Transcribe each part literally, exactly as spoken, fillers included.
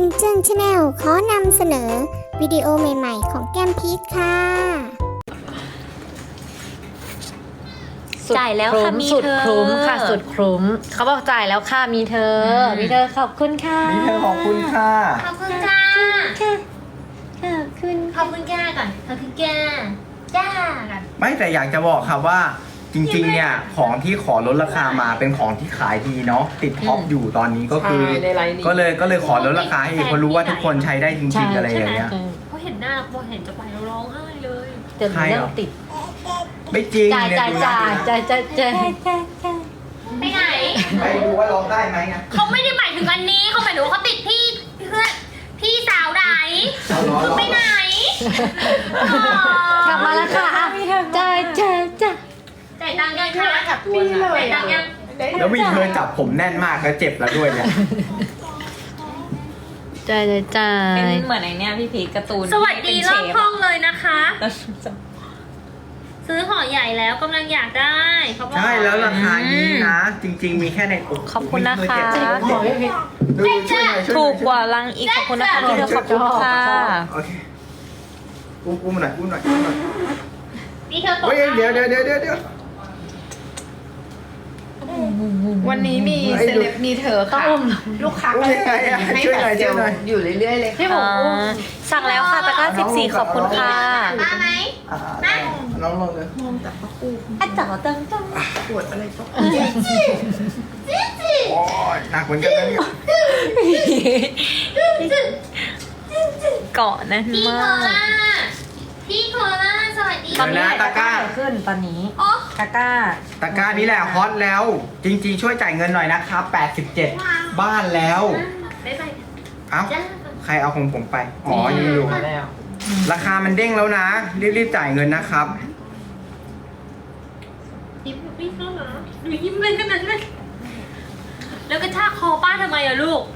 นเจิ้งชาแนลขอนำเสนอวิดีโอใหม่ๆของแก้มพีชค่ะจ่ายแล้วค่ะมีสุดเธอคุ้มค่ะสุดคุ้มเขาบอกจ่ายแล้วค่ะมีเธอ มีเธอขอบคุณค่ะมีเธอขอบคุณค่ะขอบคุณค่ะค่ะขอบคุณขอบคุณแก่ก่อนขอบคุณแก่จ้ากันไม่แต่อยากจะบอกครับว่าจริงๆเนี่ยของที่ขอลดราคามาเป็นของที่ขายดีเนาะติดท็อปอยู่ตอนนี้ก็คือ ก็เลยก็เลยขอลดราคาให้อีกเพราะรู้ว่าทุกคนใช้ได้จริงๆอะไรอย่างเงี้ยพอเห็นหน้าพอเห็นจะไปเราร้องไห้เลยเดี๋ยวหนูเริ่มติดไม่จริงจ่ายเนี่ยจ่ายดูนะจ่ายจ่ายจ่ายจ่ายไปไหนไปดูว่าร้องได้ไหมไงเขาไม่ได้หมายถึงอันนี้เขาหมายถึงว่าเขาติดพี่เพื่อนพี่สาวไหนเอาเหรอคือไปไหนกลับมาแล้วค่ะอ่ะจ่ายจ่ายจ่ายจ่ายตังค์ยังคะจับตัวจ่ายตังค์ยังแล้วมีเธอจับผมแน่นมากแล้วเจ็บแล้วด้วยเนี่ยจ่ายจ่ายจ่าเป็ยนเหมือนไอเนี้ยพี่พีชการ์ตูนสวัสดีรอบห้องเลยนะคะแล้วซื้อห่อใหญ่แล้วกำลังอยากได้เขาบอกใช่แล้วราคานี้นะ จริง ๆ มีแค่ในขอบคุณนะคะดูช่วยหน่อยช่วยหน่อยถูกกว่าลังอีกขอบคุณนะคะพี่เธอขอบคุณค่ะโอเคอุ้มอุ้มหน่อยอุ้มหน่อยอุ้มหน่อยนี่เธอตกเฮ้ยเดี๋ยวเดี๋ยวเดี๋ยวเดี๋ยวเดี๋ยววันนี้มีไอ้เซลูกเลบมีเธอค่ะ ลูกค้าอุ้มยังไงอะให้ช่วยแบหน่อยบเซช่ลวยหน่อยอยู่เรื่อยๆเลยพี่ผมอ่าสั่งแล้วค่ะตะกร้าสิบสี่ขอบคุณค่ะมาไหมอ่าน้องลงเลยอ่ะจ่ายตังค์จังปวดอะไรก็โอ้ยหนักเหมือนกันนะเนี่ยเกาะแน่นพี่มาโคล่าก พี่โคล่าสวัสดีเดี๋ยวนะตะกร้าขึ้นตอนนี้โอ้ตะกร้าตะกร้านี้แหละฮอตแล้ว จริง ๆ ช่วยจ่ายเงินหน่อยนะครับแปดสิบเจ็ดบ้านแล้วบ๊ายบายเอ้าจ้าใครเอาของผมไป อ๋อยังอยู่แล้วราคามันเด้งแล้วนะ รีบๆจ่ายเงินนะครับยิ้มพี่เขาเหรอหนูยิ้มเลยขนาดนั้นแล้วกระชากคอป้าทำไมอะลูก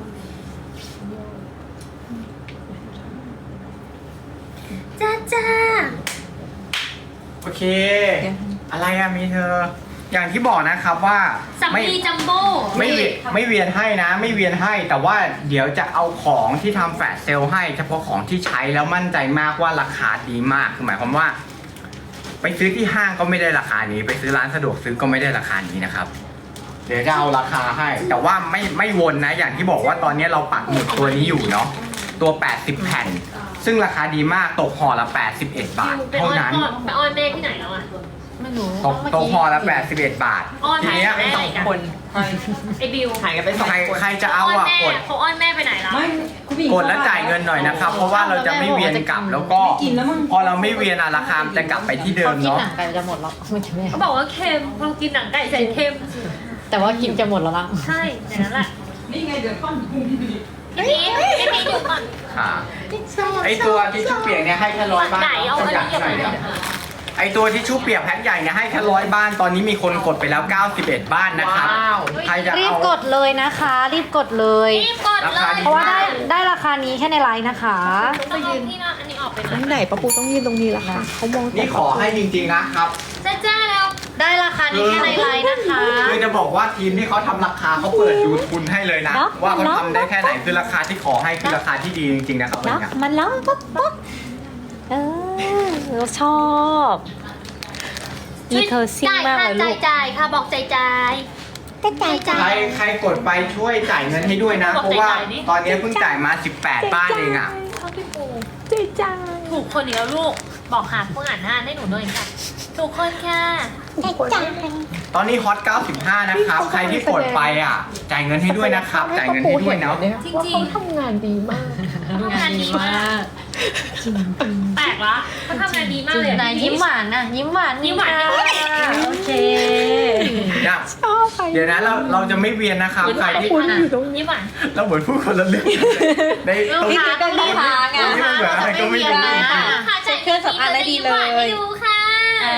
จ้าจ้าโอเค อะไรอะมีเธอ อย่างที่บอกนะครับว่าสัมไม่ลีจัมโบ้ไม่เวียนไม่เวียนให้นะ ไม่เวียนให้แต่ว่าเดี๋ยวจะเอาของที่ทำแฟลชเซลล์ให้เฉพาะของที่ใช้แล้วมั่นใจมากว่าราคาดีมากคือหมายความว่า ไปซื้อที่ห้างก็ไม่ได้ราคานี้ ไปซื้อร้านสะดวกซื้อก็ไม่ได้ราคานี้นะครับ เดี๋ยวจะเอาราคาให้ แต่ว่าไม่ไม่วนนะ อย่างที่บอกว่าตอนนี้เราปักหมุดตัวนี้อยู่เนาะตัวแปดสิบแผ่น ซึ่งราคาดีมากตกห่อละแปดสิบเอ็ดบาทไปอเท่าอนนั้นพ่อไปออนแม่ที่ไหนแล้วอะไม่รู้ตกตกห่อละแปดสิบเอ็ดบาทอ้อนทีเนี้ยแม่ไหนกันคนไอ้บิวหายกันไปสองใครคนใครจะเอาอ้อนอ่ะแม่กดเขาอ้อนแม่ไปไหนแล้วกดแล้วจ่ายเงินหน่อยนะครับ เพราะว่าเราจะไม่เวียนกลับแล้วก็พอเราไม่เวียนอะราคามันจะกลับไปที่เดิพอมกินเนาะหนังไก่จะหมดแล้วไม่ใช่แม่เขาบอกว่าเค็มพอกินหนังไก่ใส่เค็มแต่ว่ากินจะหมดแล้วละใช่อย่างนั้นแหละนี่ไงเดือดข้อนพี่พีชพี่พีชดูก่อนค่ะไอตัวทิชชู่เปียกเนี่ยให้แค่ร้อยบ้านไหนเอาอันนี้อยากเก็บหน่ไว้อยเดียวไอตัวทิชชู่เปียกแพ็คใหญ่เนี่ยให้แค่ร้อยบ้านตอนนี้มีคนกดไปแล้วเก้าสิบเอ็ดบ้านนะครับใครจะรีบเอากดเลยนะคะ รีบกดเลยรีบกดเลราคาย ดีเพราะว่าได้ได้ราคานี้แค่ในไลน์นะคะต้องเอาที่นั่นอันนี้ออกไปหน่อยไหนป้าปูต้องยืนตรงนี้ละค่ะเขามองนี่ขอให้จริงๆนะครับจ้าจ้าแล้วได้ราคานี้แค่ในไลน์นะคะคือจะบอกว่าทีมที่เขาทำราคาเขาเปิดดูทุนให้เลยนะเนอะว่าเขาเนอะทำได้แค่ไหนคือราคาที่ขอให้คือราคาที่ดีจริงๆนะครับวันเนาะเนี้ยมันร้องป๊อกป๊อกเออเราชอบนี่เธอซิ่งมากเลยลูจ่ายกจ่ายค่ะบอกจ่ายจ่ายจ่ายจ่ายใครใครกดไปช่วยจ่ายเงินให้ด้วยนะบอกเพราะว่าจ่ายนี่ตอนนี้เพิ่งจ่ายมาสิบแปดบ้านเองอ่ะเข้าพี่ปูใจจังถูกคนเดียวลูกบอกหาผู้อ่านหน้าให้หนูหน่อยค่ะถูกคนค่ะตอนนี้ฮอตเก้าสิบห้านะครับ ใครที่กดไปอ่ะ จ่ายเงินให้ด้วยนะครับ จ่ายเงินให้ด้วยเนาะจริงว่าจริงเขาทำงานดีมากทำงานดีมากแปลกละเขาทำงานดีมากเลยอะไหนยิ้มหวานนะยิ้มหวานยิ้มหวานค่ะโอเคเนี่ยเดี๋ยวนะเราเราจะไม่เวียนนะครับใครที่ยิ้มหวานเราเหมือนพูดคนละเรื่องในลูกตรงค้านี้ต้องรีบหาไงตรงนี้มันเหมือนอะไรก็ไม่รู้ลูกค้าจ่ายเครื่องสำอางได้ดีเลยให้ดูค่ะอ่า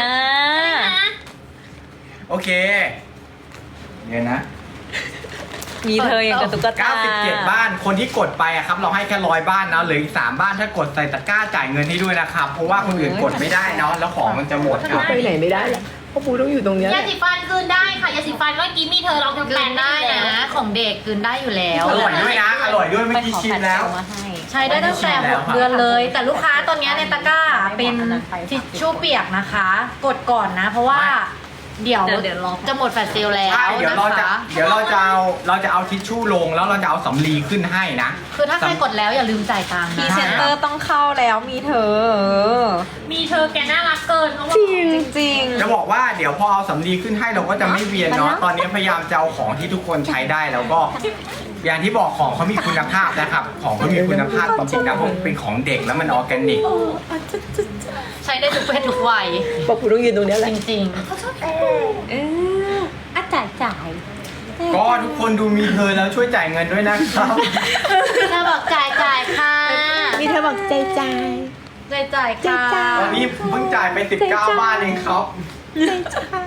โอเค เดี๋ยวนะมีเธออย่างกับตุ๊กตาเก้าสิบเจ็ดบ้านคนที่กดไปอะครับเราให้แค่ร้อยบ้านนะเหลืออีกสามบ้านถ้ากดใส่ตะกร้าจ่ายเงินให้ด้วยนะครับเพราะว่าคนอื่นกดไม่ได้เนาะแล้วของมันจะหมดครับไปไหนไม่ได้แล้วป้าปูต้องอยู่ตรงเนี้ยแหยาละสีฟันคืนได้ค่ะยาสีฟันเมื่อกี้มีเธอลองทำกลืแปนดได้ได้นะแล้วของเด็กกลืนได้อยู่แล้วอร่อยด้วยนะอร่อยด้วยไม่ไปกี้ขอชิแฟมดแล้เซวลมาให้ใช้ได้ตั้งแต่หกเดือนเลย แต่ลูกค้าตอนนี้ในตะกร้าเป็นทิชชู่เปียกนะคะ กดก่อนนะ เพราะว่าเดี๋ยวเดี๋ยวเดี๋ยวรอจะหมดแฟลชเซลแล้วใช่เดี๋ยวนะเราจะคะเดี๋ยวเราจะเอาเราจะเอาทิชชู่ลงแล้วเราจะเอาสำลีขึ้นให้นะคือถ้าใครกดแล้วอย่าลืมจ่ายตังค์พรีนะเซนเตอร์ต้องเข้าแล้วมีเธอมีเธอแกน่ารักเกินเขาบอกจริงจะบอกว่าเดี๋ยวพอเอาสำลีขึ้นให้เราก็จะไม่เวียนเนาะตอนนี้พยายามจะเอาของที่ทุกคนใช้ได้แล้วก็อย่างที่บอกของเขามีคุณภาพนะครับ ของเขามีคุณภาพจริงๆนะเพราะเป็นของเด็กแล้วมันออร์แกนิกใช้ได้ทุกเพศทุกวัยปะปูต้องยืนตรงเนี้ยแหละจริงเอออ่ะจ่ายจ่ายก็ทุกคนดูมีเธอแล้วช่วยจ่ายเงินด้วยนะครับๆเธอบอกจ่ายจ่ายค่ะมีเธอบอกใจใจจ่ายจ่ายค่ะตอนนี้เพิ่งจ่ายไปสิบเก้าบาทเองครับใจใจ